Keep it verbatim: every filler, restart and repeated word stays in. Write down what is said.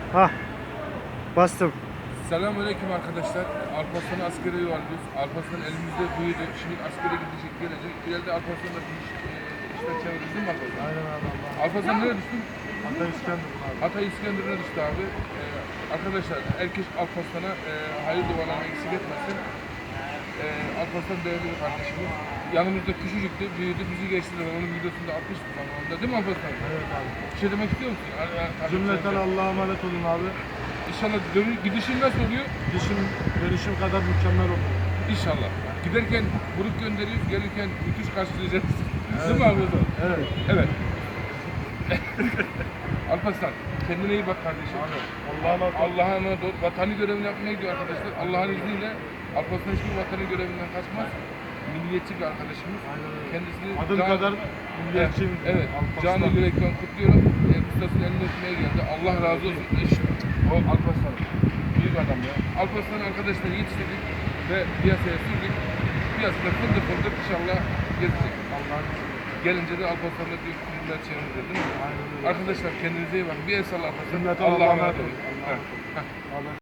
Ha, bastım. Selamünaleyküm arkadaşlar. Alparslan'ı askere yuvarlıyoruz. Alparslan elimizde büyüdü. Şimdi askere gidecek, gelecek. İleride Alparslan'la bir iş, e, işler çeviririz değil mi Alparslan? Aynen abi Allah. Alparslan nereye düştün? Hatta İskenderun abi. Hatay İskenderun'a düştü abi. E, arkadaşlar herkes Alparslan'a e, hayırlı dualarını eksik etmesin. E, Alparslan değerli bir kardeşimiz. Yanımızda küçücüktü, büyüdü, bizi geçti. Onun videosunda atmıştı zamanında. Değil mi Alparslan? Evet abi. Bir şey demek istiyor musun? Ar- ar- ar- Cümleten Allah'a emanet olun abi. İnşallah dönü, gidişin nasıl oluyor? Dişim, dönüşüm kadar mükemmel olur. İnşallah. Giderken buruk gönderiyoruz, gelirken müthiş karşılayacağız. Değil mi Alparslan? Evet. Evet. Alparslan, kendine iyi bak kardeşim. Allah'a emanet olun. Allah'a emanet ol. Vatani görevini yapmaya gidiyor arkadaşlar. Allah'ın izniyle Alparslan hiçbir vatani görevinden kaçmaz. Milliyetçi bir arkadaşımız. Aynen öyle. Kendisini Adım can- kadar milliyetçiyim. Evet, evet. Alparslan. Canı yürekten kutluyorum. E, ustasının elini öpmeye geldi. Allah razı olsun. Eş, o Alparslan. Büyük adam ya. Alparslan arkadaşlar yetiştirdik ve piyasaya sürdük. Piyasada fındık fındık inşallah gezecek. Allah'ın izniyle. Gelince de Alparslan'la bir filmler çevireceğiz değil mi? Aynen öyle. Arkadaşlar kendinize iyi bakın. Bir el salla Alparslan. Cümleten Allah'a Allah'a emanet emanet olun. olun. Heh. Allah